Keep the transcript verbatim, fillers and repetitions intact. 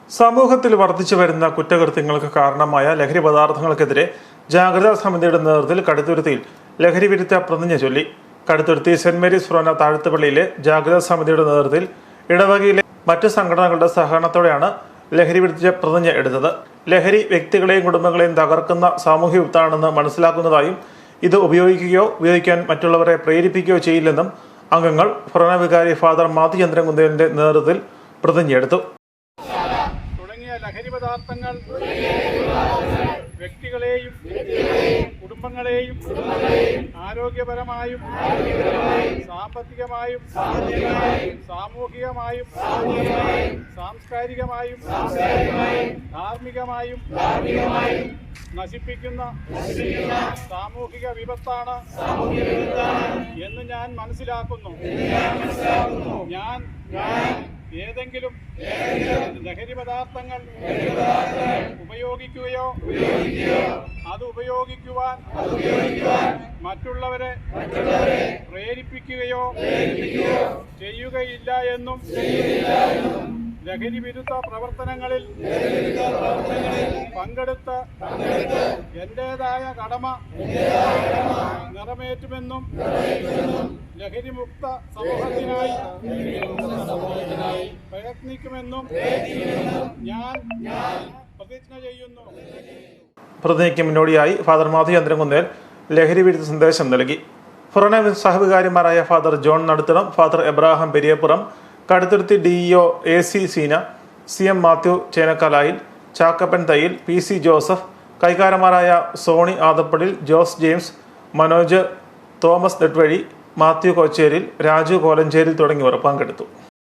സമൂഹത്തിൽ വർദ്ധിച്ചു വരുന്ന കുറ്റകൃത്യങ്ങൾക്ക് കാരണമായ ലഹരി പദാർത്ഥങ്ങൾക്കെതിരെ ജാഗ്രതാ സമിതിയുടെ നേതൃത്വത്തിൽ കടുത്തുരുത്തിയിൽ ലഹരി വിരുദ്ധ പ്രതിജ്ഞ ചൊല്ലി. കടുത്തുരുത്തി സെന്റ് മേരീസ് ഫൊറോന താഴ്ത്തുപള്ളിയിലെ ജാഗ്രതാ സമിതിയുടെ നേതൃത്വത്തിൽ ഇടവകയിലെ മറ്റു സംഘടനകളുടെ സഹകരണത്തോടെയാണ് ലഹരി വിരുദ്ധ പ്രതിജ്ഞ എടുത്തത്. ലഹരി വ്യക്തികളെയും കുടുംബങ്ങളെയും തകർക്കുന്ന സാമൂഹ്യ വിപത്താണെന്ന് മനസ്സിലാക്കുന്നതായും ഇത് ഉപയോഗിക്കുകയോ ഉപയോഗിക്കാൻ മറ്റുള്ളവരെ പ്രേരിപ്പിക്കുകയോ ചെയ്യില്ലെന്നും അംഗങ്ങൾ ഫൊറോന വികാരി ഫാദർ മാത്യു ചന്ദ്രൻകുന്തേലിന്റെ നേതൃത്വത്തിൽ പ്രതിജ്ഞയെടുത്തു. ലഹരി പദാർത്ഥങ്ങൾ വ്യക്തികളെയും കുടുംബങ്ങളെയും ആരോഗ്യപരമായും സാമ്പത്തികമായും സാമൂഹികമായും സാംസ്കാരികമായും ധാർമ്മികമായും നശിപ്പിക്കുന്ന സാമൂഹിക വിപത്താണ് എന്ന് ഞാൻ മനസ്സിലാക്കുന്നു. ഞാൻ ഏതെങ്കിലും ലഹരി പദാർത്ഥങ്ങൾ ഉപയോഗിക്കുകയോ അത് ഉപയോഗിക്കുവാൻ മറ്റുള്ളവരെ പ്രേരിപ്പിക്കുകയോ ചെയ്യുകയില്ല എന്നും ലഹരി വിരുദ്ധ പ്രവർത്തനങ്ങളിൽ പങ്കെടുത്ത് എന്റേതായ കടമ നിറവേറ്റുമെന്നും ലഹരിമുക്ത സമൂഹത്തിനായി പ്രയത്നിക്കുമെന്നും ഞാൻ പ്രതിജ്ഞ ചെയ്യുന്നു. പ്രതിജ്ഞയ്ക്ക് മുന്നോടിയായി ഫാദർ മാത്യു ചന്ദ്രൻകുന്തേൽ ലഹരി വിരുദ്ധ സന്ദേശം നൽകി. ഫൊറോന സഹവികാരിമാരായ father John Naduthanam, father Abraham Periyappuram, Kaduthuruthy D E O A C Seena, C M Mathew Chenakkalayil, Chackappan Thayyil, P C Joseph, കൈകാരന്മാരായ സോണി ആദപ്പടിൽ, ജോസ് ജെയിംസ്, മനോജ്, തോമസ് നെട്വഴി, മാത്യു കൊച്ചേരിൽ, രാജു കോലഞ്ചേരിൽ തുടങ്ങിയവർ പങ്കെടുത്തു.